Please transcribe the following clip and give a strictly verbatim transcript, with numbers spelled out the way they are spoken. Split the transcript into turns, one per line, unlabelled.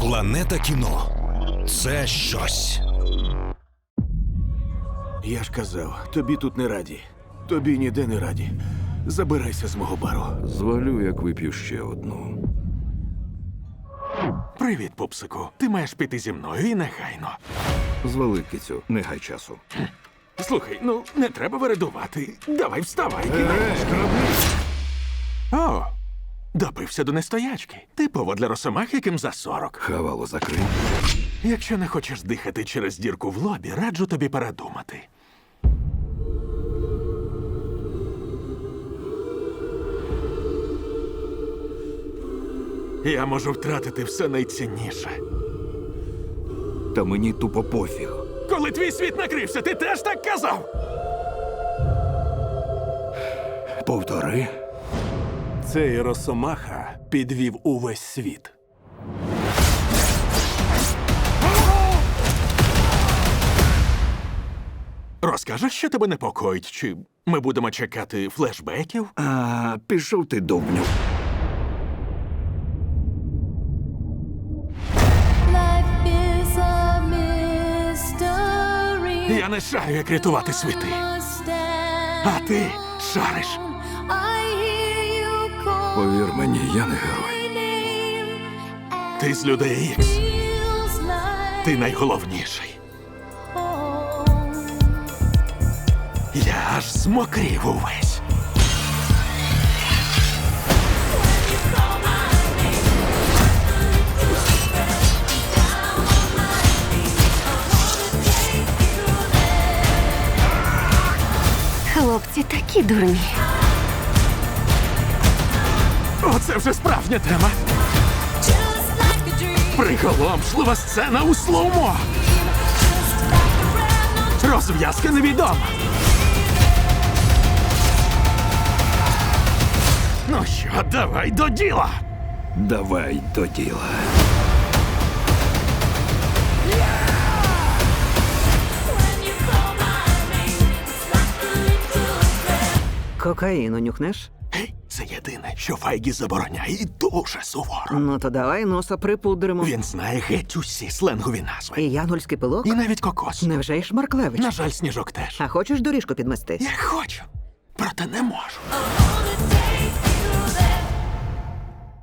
Планета кіно – це щось.
Я ж казав, тобі тут не раді. Тобі ніде не раді. Забирайся з мого бару.
Звалю, як вип'ю ще одну.
Привіт, пупсику. Ти маєш піти зі мною і негайно.
Звали, кицю, не гай часу.
Слухай, ну не треба вередувати. Давай вставай. Е, О, допився до нестоячки. Типово для росомах, яким за сорок.
Хавало закрий.
Якщо не хочеш дихати через дірку в лобі, раджу тобі передумати. Я можу втратити все найцінніше.
Та мені тупо пофіг.
Коли твій світ накрився, ти теж так казав?
Повтори.
Цей росомаха підвів увесь світ.
Розкажеш, що тебе непокоїть? Чи ми будемо чекати флешбеків?
А, пішов ти, довбню.
Life is a mystery.
Я не шарю, як рятувати світи. А ти шариш.
I hear you call
Повір мені, я не герой.
my name.
Ти з людей Ікс.
Feels like
Ти найголовніший.
home.
Я аж змокрів увесь.
Хлопці такі дурні.
Оце вже справжня тема.
Just like a dream.
Приголомшлива сцена у слоумо.
Just like a brand
Розв'язка невідома. Ну що, давай до діла.
Давай до діла.
Кокаїну нюхнеш?
Гей, це єдине, що Файгі забороняє і дуже суворо.
Ну то давай носа припудримо.
Він знає геть усі сленгові назви.
І янгольський пилок?
І навіть кокос.
Невже й Шмарклевич?
На жаль, сніжок теж.
А хочеш доріжку підмести?
Я хочу, проте не можу.